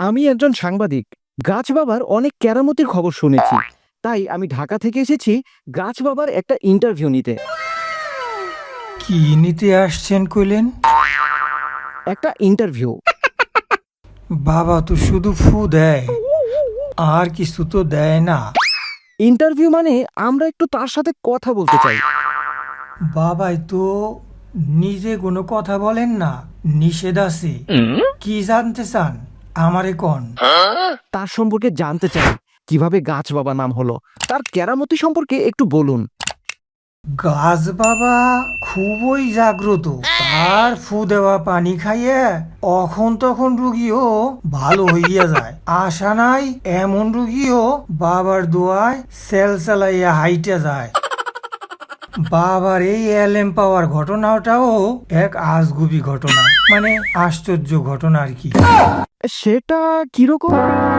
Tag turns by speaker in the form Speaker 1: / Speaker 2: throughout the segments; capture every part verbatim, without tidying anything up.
Speaker 1: আমি একজন সাংবাদিক। গাছ বাবার অনেক কেরামতির খবর শুনেছি, তাই আমি ঢাকা থেকে এসেছি গাছ বাবার একটা ইন্টারভিউ নিতে।
Speaker 2: কি নিতে আসছেন কইলেন?
Speaker 1: একটা ইন্টারভিউ।
Speaker 2: বাবা তো শুধু ফু দেয়, আর কিছু তো দেয় না।
Speaker 1: ইন্টারভিউ মানে আমরা একটু তার সাথে কথা বলতে চাই।
Speaker 2: বাবাই তো নিজে কোনো কথা বলেন না, নিষেধ আছে। কি জানতে চান আমারে কোন?
Speaker 1: তার সম্পর্কে জানতে চাই, কিভাবে গাছ বাবা নাম হলো, তার কেরামতি সম্পর্কে একটু বলুন।
Speaker 2: গাছ বাবা খুবই জাগ্রত। তার ফু দেওয়া পানি খাইয়ে অখন তখন রুগীও ভালো হইয়া যায়। আশা নাই এমন রুগীও বাবার দোয়ায় সেল চালাইয়া হাইটে যায়। বাবার এই এলএম পাওয়ার ঘটনাটাও এক আজগুবি ঘটনা, মানে আশ্চর্য ঘটনা আর কি।
Speaker 1: সেটা কিরকম?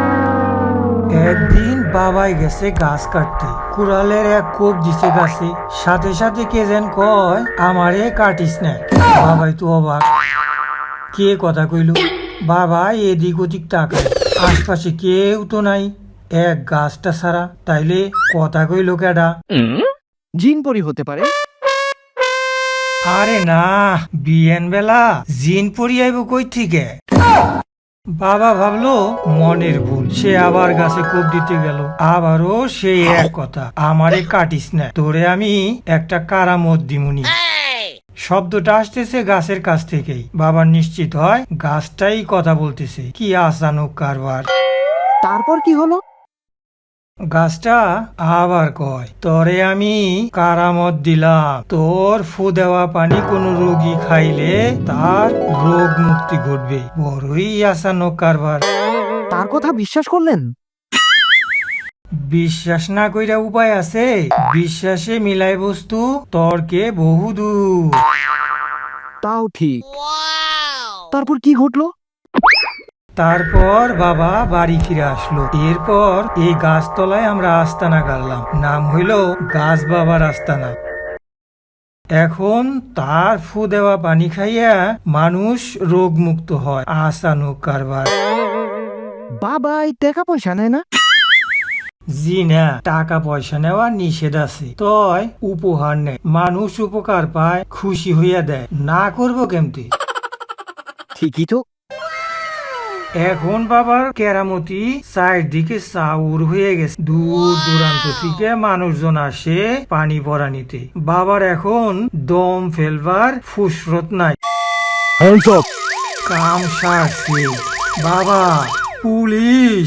Speaker 2: একদিন বাবাই গেছে গাছ কাটতে, কুড়ালের এক কোপ দিছে গাছে, সাথে সাথে কে যেন কয় আমারে কাটিস না। বাবাই তো অবাক, কে কথা কইল। বাবা এদিক ওদিক তাকায়, আশপাশে কেউ তো নাই, এক গাছটা ছাড়া। তাইলে কথা কইল কেডা?
Speaker 1: জিন পরি হতে পারে।
Speaker 2: আরে না, বিয়েন বেলা জিন পরি আইব কই থেকে? বাবা ভাবলো মনের ভুল, সে আবার গাছে কোপ দিতে গেল। আবারও সেই এক কথা, আমারে কাটিস না, তোরে আমি একটা কারামত দিমুনি। শব্দটা আসতেছে গাছের কাছ থেকেই। বাবা নিশ্চিত হয় গাছটাই কথা বলতেছে। কি আচানক কারবার!
Speaker 1: তারপর কি হলো?
Speaker 2: গাছটা আবার কয়, তোরে আমি কারামত দিলাম, তোর ফু দেওয়া পানি কোন রোগী খাইলে তার রোগ মুক্তি ঘটবে। বড়ই আচানক কারবার।
Speaker 1: তার কথা বিশ্বাস করলেন?
Speaker 2: বিশ্বাস না কইরা উপায় আছে? বিশ্বাসে মিলাই বস্তু, তর্কে বহুদূর।
Speaker 1: তাও ঠিক। তারপর কি ঘটলো?
Speaker 2: তারপর বাবা বাড়ি ফিরে আসলো। এরপর এই গাছতলায় আমরা আস্তানা গাড়লাম, নাম হইল গাছ বাবার আস্তানা। এখন তার ফু দেওয়া পানি খাইয়া মানুষ রোগ মুক্ত হয়। আচানক কারবার।
Speaker 1: বাবাই টাকা পয়সা নেয় না?
Speaker 2: জি না, টাকা পয়সা নেওয়া নিষেধ আছে, তয় উপহার নেয়। মানুষ উপকার পায়, খুশি হইয়া দেয়, না করবো কেমতি?
Speaker 1: ঠিকই তো।
Speaker 2: এখন বাবার কেরামতি চারদিকে চাউর হয়ে গেছে। দূর দূরান্ত থেকে মানুষজন আসে পানি পরা নিতে। বাবার এখন দম ফেলবার ফুসরত নাই। কাম সারছে। বাবা পুলিশ!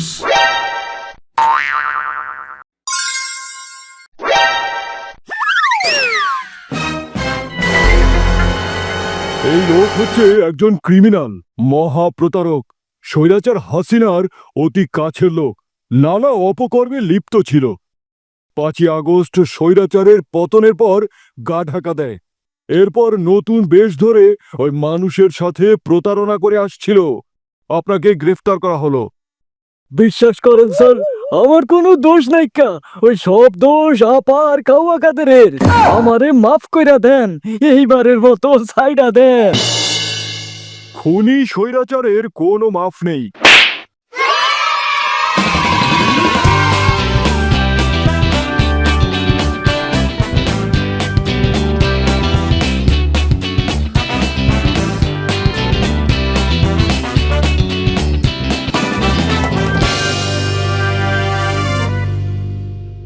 Speaker 3: এই লোক হচ্ছে একজন ক্রিমিনাল, মহা প্রতারক, স্বৈরাচার হাসিনার অতি কাছের লোক, নানা অপকর্মে লিপ্ত ছিল। পাঁচই আগস্ট স্বৈরাচারের পতনের পর গা ঢাকা দেয়। এরপর নতুন বেশ ধরে ওই মানুষের সাথে প্রতারণা করে আসছিল। আপনাকে গ্রেফতার করা হলো।
Speaker 4: বিশ্বাস করেন স্যার, আমার কোনো দোষ নাই কা। ওই সব দোষ আপার কাওয়া কাদেরের। আমারে মাফ কইরা দেন, এইবারের মতো ছাইড়া দেন।
Speaker 3: খুনি স্বৈরাচারের কোনো মাফ নেই।